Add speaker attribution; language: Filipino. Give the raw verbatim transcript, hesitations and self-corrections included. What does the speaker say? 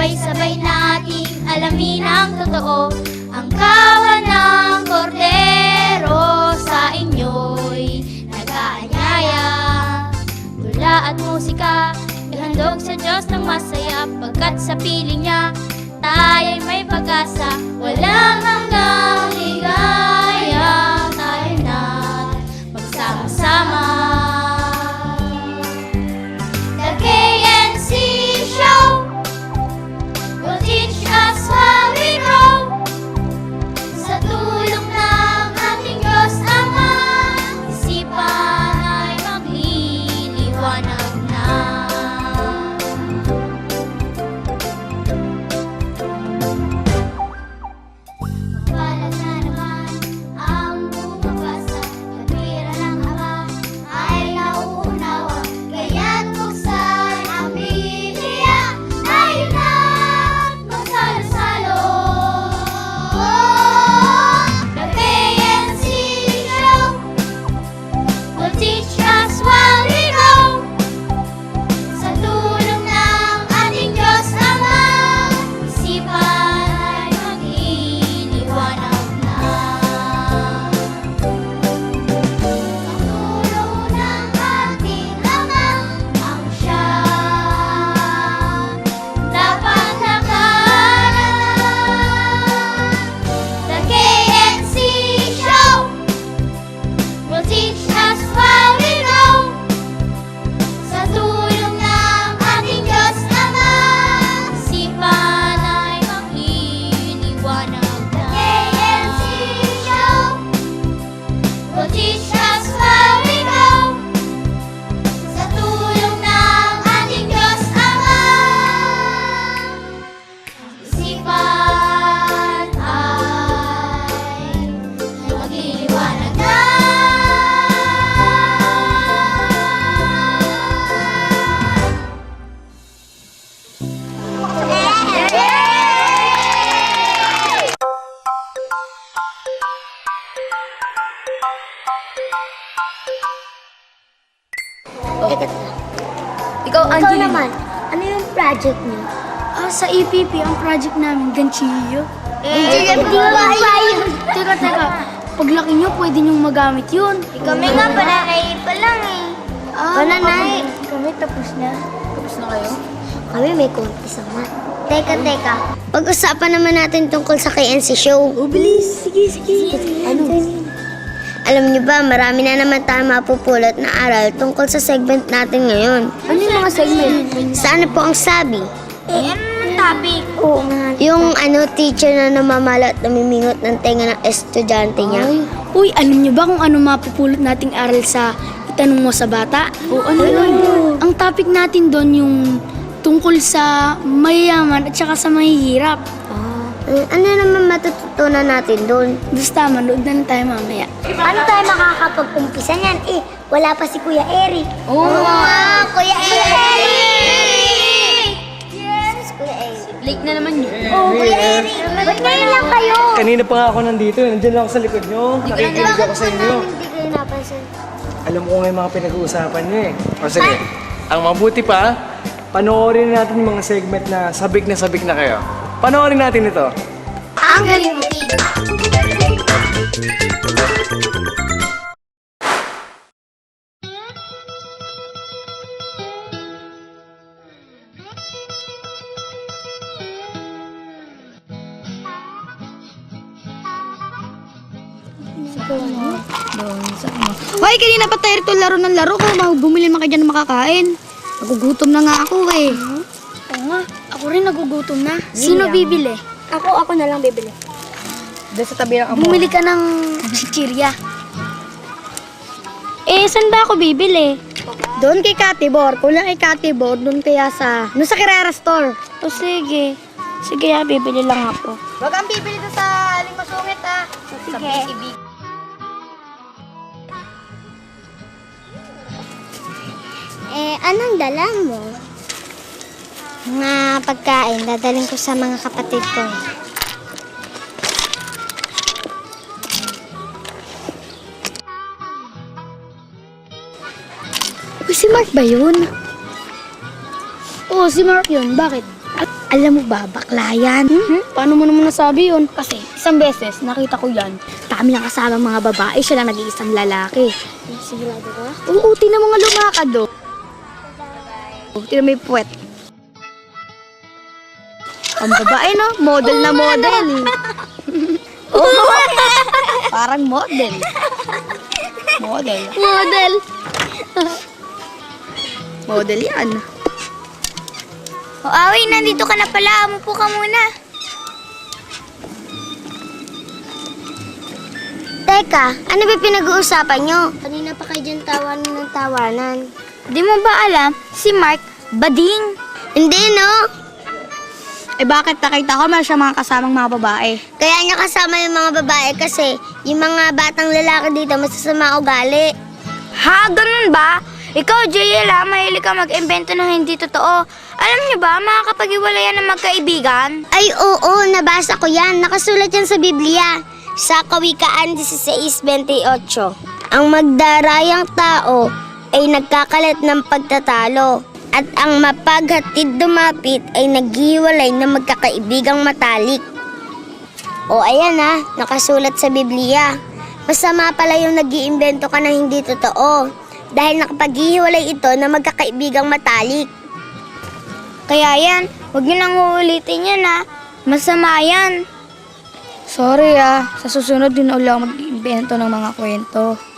Speaker 1: Sabay-sabay nating alamin ang totoo. Ang kawan ng kordero sa inyo'y nag-aanyaya. Tula at musika, ihandog sa Diyos ng masaya. Pagkat sa piling niya, tayo'y may pag-asa. Walang hanggang ligaya, tayo na magsama-sama. The K N C Show will teach us how we grow. Sa tulong ng ating Diyos Ama, isipan ay magliliwanag na. Mapalat na naman ang bumabasa, katwiran ng Ama ay nauunawa. Kaya't buksan ang Biblia, tayo na't magsalo-salo. The K N C Show will teach us while we grow. Sa tulong ng ating Diyos Ama, isipan ay magliliwanag na. Ang tulong ng ating Ama ang siyang dapat lakaran. The K N C Show will teach us while we grow. Sa tulong ng ating Diyos Ama, isipan ay magliliwanag na. The K N C Show will teach us while we grow. Sa tulong ng ating Diyos Ama, isipan ay magliliwanag na.
Speaker 2: Ikaw,
Speaker 3: Ikaw
Speaker 2: Angeline.
Speaker 3: naman, ano yung project niyo?
Speaker 4: Ah, sa E P P, ang project namin, ganchillo.
Speaker 3: Eh, hindi ko kaya.
Speaker 4: Teka, teka. Paglaki nyo, pwede nyong magamit yun.
Speaker 3: Kami nga, pananay pa lang eh.
Speaker 4: Ah,
Speaker 3: Pananay.
Speaker 4: Kami tapos na.
Speaker 2: Tapos na kayo?
Speaker 3: Kami may konti sa mat. Teka, teka. Pag-usapan naman natin tungkol sa K N C Show.
Speaker 4: Oh, bilis. Sige, sige.
Speaker 3: Ano? Alam niyo ba, marami na naman tayo mapupulot na aral tungkol sa segment natin ngayon.
Speaker 4: Ano yung mga segment?
Speaker 3: Sana po ang sabi?
Speaker 1: Eh, ano naman topic?
Speaker 3: Oo nga. Yung ano, teacher na namamala at namimingot ng tenga ng estudyante niya.
Speaker 4: Ay. Uy, alam nyo ba kung ano mapupulot nating aral sa itanong mo sa bata? O ano yun? Ang topic natin doon yung tungkol sa mayayaman at saka sa mahihirap.
Speaker 3: Eh, ano naman matututunan natin doon?
Speaker 4: Basta, manood na lang tayo mamaya.
Speaker 3: Paano tayo makakapag-umpisa niyan? Eh, wala pa si Kuya Eric.
Speaker 2: Oo nga.
Speaker 3: Kuya Eric! Yes! Kuya Eric.
Speaker 2: Late na naman yun.
Speaker 3: Oh, Kuya Eric! Ba't ngayon lang kayo?
Speaker 5: Kanina pa nga ako nandito, eh. Nandiyan lang ako sa likod nyo. Nakikinig ako sa inyo.
Speaker 3: Hindi kayo napansin.
Speaker 5: Alam ko nga yung mga pinag-uusapan nyo eh. O sige, ang mabuti pa, panoorin natin yung mga segment na sabik na sabik na kayo. Panoorin natin ito.
Speaker 1: Ang galing mo, Tig.
Speaker 4: Hoy, kanina pa tayo rito laro ng laro ko. Bumili naman kayo dyan ng makakain. Nagugutom na nga ako eh. Oo nga, ako rin nagugutom na. Sino bibili?
Speaker 3: Ako, ako na lang bibili.
Speaker 2: Doon sa tabi ng amo.
Speaker 4: Bumili ka ng chichirya. Eh, saan ba ako bibili?
Speaker 3: Doon kay Katibor. Kung lang kay Katibor, doon kaya sa... Doon sa Carrera Store.
Speaker 4: O sige. Sige, ah, bibili lang ako.
Speaker 2: Wag kang bibili doon sa aling masungit ah. Sa
Speaker 3: Sige.
Speaker 2: P C B.
Speaker 3: Eh, anong dala mo? Mga pagkain, dadaling ko sa mga kapatid ko.
Speaker 4: Uy, si Mark ba yun? Oo, si Mark yun. Bakit? At Alam mo ba, bakla yan? Hmm? Paano mo naman nasabi yun? Kasi isang beses, nakita ko yan. Dami lang kasama mga babae, siya lang nag-iisang lalaki.
Speaker 3: Sigurado ka?
Speaker 4: Oo, tinan mga lumakad do. Tinan may puwet. Ang babae no, model na model. Parang model. Model.
Speaker 3: Model.
Speaker 4: Model yan.
Speaker 1: O, Away, nandito ka na pala. Umupo ka muna.
Speaker 3: Teka, ano ba pinag-uusapan nyo? Kanina pa kayo dyan tawanan ng tawanan.
Speaker 1: Di mo ba alam, si Mark, bading.
Speaker 3: Hindi, no?
Speaker 4: Eh bakit nakita ko meron siya mga kasamang mga babae?
Speaker 3: Kaya niya kasama yung mga babae kasi yung mga batang lalaki dito masasama ugali.
Speaker 1: Ha? Ganun ba? Ikaw, J L, ah, mahilig ka mag-invento ng hindi totoo. Alam niyo ba, makakapag-iwalayan ng magkaibigan?
Speaker 3: Ay, oo, nabasa ko yan. Nakasulat yan sa Biblia. Sa Kawikaan sixteen twenty-eight. Ang magdarayang tao ay nagkakalat ng pagtatalo. At ang mapaghatid dumapit ay naghiwalay ng magkakaibigang matalik. O ayan ha, nakasulat sa Biblia. Masama pala yung nag-iimbento ka na hindi totoo. Dahil nakapaghihiwalay ito na magkakaibigang matalik.
Speaker 1: Kaya yan, huwag niyo nang uulitin yan, ha? Masama yan.
Speaker 4: Sorry ah, sa susunod din ulit ako mag-invento ng mga kwento.